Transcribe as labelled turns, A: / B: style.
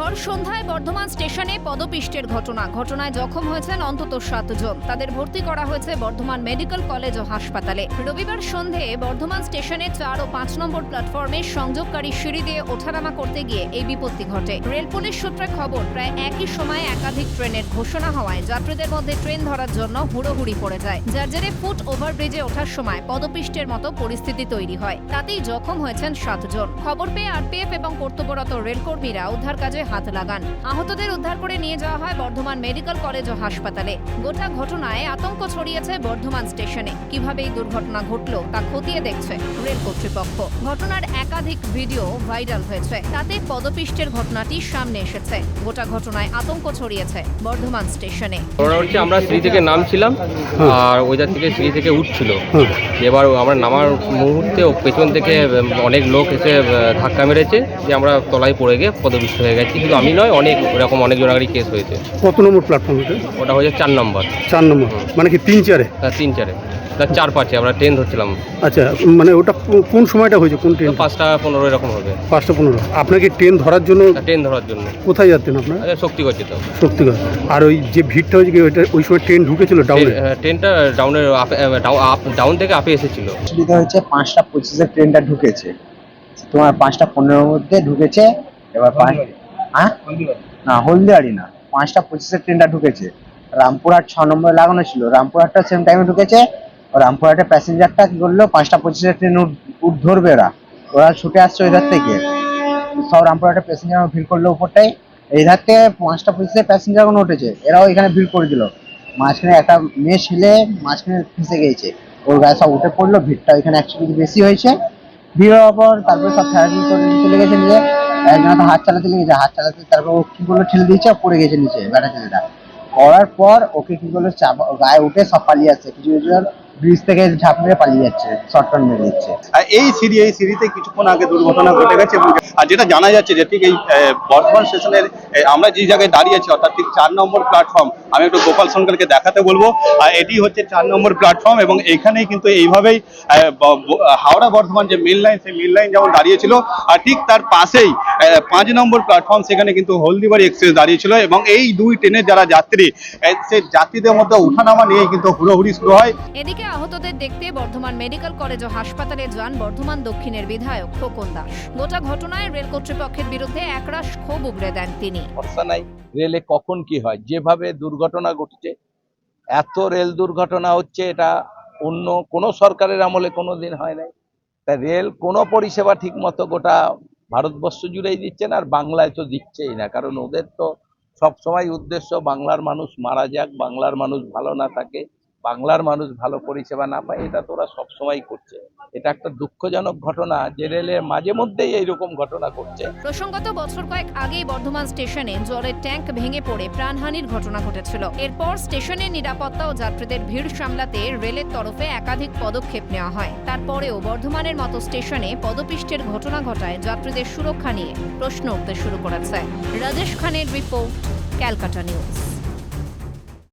A: ভর সন্ধ্যায় বর্ধমান স্টেশনে পদপিষ্টের ঘটনায় জখম হয়েছেন অন্তত 7 জন। তাদের ভর্তি করা হয়েছে বর্ধমান মেডিকেল কলেজ ও হাসপাতালে। রবিবার সন্ধে বর্ধমান স্টেশনে 4 ও 5 নম্বর প্ল্যাটফর্মে সংযোগকারী সিঁড়ি দিয়ে ওঠানামা করতে গিয়ে এই বিপত্তি ঘটে। রেল পুলিশ সূত্রে খবর, প্রায় একই সময়ে একাধিক ট্রেনের ঘোষণা হওয়ায় যাত্রীদের মধ্যে ট্রেন ধরার জন্য হুড়োহুড়ি পড়ে যায়, যার জেরে ফুট ওভারব্রিজে ওঠার সময় পদপিষ্টের মতো পরিস্থিতি তৈরি হয়। তাতেই জখম হয়েছেন 7 জন। খবর পেয়ে আরপিএফ এবং কর্তব্যরত রেলকর্মীরা উদ্ধার কাজে হাত লাগান। আহতদের উদ্ধার করে নিয়ে যাওয়া হয় বর্ধমান মেডিকেল কলেজ ও হাসপাতালে। গোটা ঘটনায় আতঙ্ক ছড়িয়েছে বর্ধমান স্টেশনে। কিভাবে এই দুর্ঘটনা ঘটলো তা খতিয়ে দেখছে রেল কর্তৃপক্ষ। ঘটনার একাধিক ভিডিও ভাইরাল হয়েছে, তাতে পদপিষ্টের ঘটনাটি সামনে এসেছে। গোটা ঘটনায় আতঙ্ক ছড়িয়েছে বর্ধমান স্টেশনে।
B: আমরা সিঁড়ি থেকে নামছিলাম আর ওইটার থেকে সিঁড়ি থেকে উঠছিল। এবার আমরা নামার মুহূর্তে পেছন থেকে অনেক লোক এসে ধাক্কা মেরেছে, যে আমরা তলায় পড়ে গিয়ে পদপিষ্ট হয়ে গেছি। কিন্তু আমি নয়, অনেক এরকম অনেকজন আগেই কেস হয়েছে।
C: কত নম্বর প্ল্যাটফর্ম?
B: ওটা হয়েছে 4 নম্বর।
C: 4 নম্বর মানে কি 3-4-এ?
B: 3-4-এ না 4-5-এ আমরা ট্রেন ধরছিলাম।
C: আচ্ছা, মানে ওটা কোন সময়টা হয়েছে? কোন ট্রেন?
B: 5টা 15 এরকম হবে।
C: 5টা 15। আপনাকে ট্রেন ধরার জন্য?
B: ট্রেন ধরার জন্য।
C: কোথায় যাচ্ছেন আপনার?
B: শক্তিগড় যেতাম।
C: শক্তিগড়। আর ওই যে ভিড়টা হয়েছে কি ওই সময় ট্রেন ঢুকেছিল ডাউনে?
B: ট্রেনটা ডাউনের ডাউন থেকে আপে এসেছিল।
D: সুবিধা হয়েছে 5টা 25-এ ট্রেনটা ঢুকেছে, তোমার 5টা 15-এর মধ্যে ঢুকেছে। এবার না হলদিয়ারি না, 5টা 25-এ ট্রেনটা ঢুকেছে। রামপুরহাট 6 নম্বরে লাগানো ছিল, রামপুরহাটটা সেম টাইমে ঢুকেছে। রামপুরহাটের প্যাসেঞ্জারটা কি করলো, 5টা 25-এ ট্রেন ধরবে, ওরা ছুটে আসছে ওই ধার থেকে। সব রামপুরহাটের প্যাসেঞ্জার ভিড় করলো উপরটাই। এই ধার থেকে 5টা 25-এ প্যাসেঞ্জারগুলো উঠেছে, এরাও এখানে ভিড় করে দিল। মাঝখানে একটা মেয়ে ছেলে মাঝখানে ফেঁসে গিয়েছে, ওর গায়ে সব উঠে পড়লো। ভিড়টা এখানে অ্যাকচুয়ালি বেশি হয়েছে। ভিড় হওয়ার পর তারপরে সব ফেরারি করে চলে গেছে নিজে। একজন তো হাত চালাতে লেগেছে, হাত চালাতে তারপর ও কি করলো, ঠেলে দিয়েছে, পড়ে গেছে নিচে ব্যাটা ছেলেটা। পড়ার পর ওকে কি করলো, গায়ে উঠে সব পালিয়ে যাচ্ছে। কিছু ব্রিজ থেকে ঝাঁপ মেরে পালিয়ে যাচ্ছে, শর্ট টার্ন মেরে দিচ্ছে।
E: এই সিঁড়িতে কিছুক্ষণ আগে দুর্ঘটনা ঘটে গেছে। আর যেটা জানা যাচ্ছে যে ঠিক এই বর্ধমান স্টেশনের আমরা যে জায়গায় দাঁড়িয়ে আছি, অর্থাৎ ঠিক 4 নম্বর প্ল্যাটফর্ম, আমি একটু গোপাল সরকারকে দেখাতে বলবো। এটি হচ্ছে 4 নম্বর প্ল্যাটফর্ম এবং এখানেই কিন্তু এইভাবেই হাওড়া বর্ধমান যে মেল লাইন, সেই মেল লাইন যেমন দাঁড়িয়েছিল, আর ঠিক তার পাশেই 5 নম্বর প্ল্যাটফর্ম, সেখানে কিন্তু হলদিবাড়ি এক্সপ্রেস দাঁড়িয়েছিল। এবং এই দুই ট্রেনের যারা যাত্রী, সেই যাত্রীদের মধ্যে ওঠানামা নিয়ে কিন্তু হুড়োহুড়ি শুরু হয়।
A: এদিকে আহতদের দেখতে বর্ধমান মেডিকেল কলেজ ও হাসপাতালে যান বর্ধমান দক্ষিণের বিধায়ক খোকন দাস। গোটা ঘটনায় রেল কর্তৃপক্ষের বিরুদ্ধে একরাশ ক্ষোভ উগরে দেন তিনি।
F: ভরসা নাই রেলে কখন কি হয়। যেভাবে দুর্ঘটনা ঘটছে, এত রেল দুর্ঘটনা হচ্ছে, এটা অন্য কোনো সরকারের আমলে কোনোদিন হয় নাই। তাই রেল কোনো পরিষেবা ঠিক মতো গোটা ভারতবর্ষ জুড়েই দিচ্ছে না, আর বাংলায় তো দিচ্ছেই না। কারণ ওদের তো সবসময় উদ্দেশ্য বাংলার মানুষ মারা যাক, বাংলার মানুষ ভালো না থাকে, বাংলার মানুষ ভালো পরিষেবা না পায়। এটা তো ওরা সবসময় করছে। এটা একটা দুঃখজনক ঘটনা যে রেলের মাঝে মধ্যেই এইরকম ঘটনা ঘটছে।
A: প্রসঙ্গত বছর কয়েক আগেই বর্ধমান স্টেশনে জলের ট্যাঙ্ক ভেঙে পড়ে প্রাণহানির ঘটনা ঘটেছিল। এরপর স্টেশনের নিরাপত্তা ও যাত্রীদের ভিড় সামলাতে রেলের তরফে একাধিক পদক্ষেপ নেওয়া হয়। তারপরেও বর্ধমানের মতো স্টেশনে পদপিষ্টের ঘটনা ঘটায় যাত্রীদের সুরক্ষা নিয়ে প্রশ্ন উঠতে শুরু করেছে। রাজেশ খানের রিপোর্ট, ক্যালকাটা নিউজ।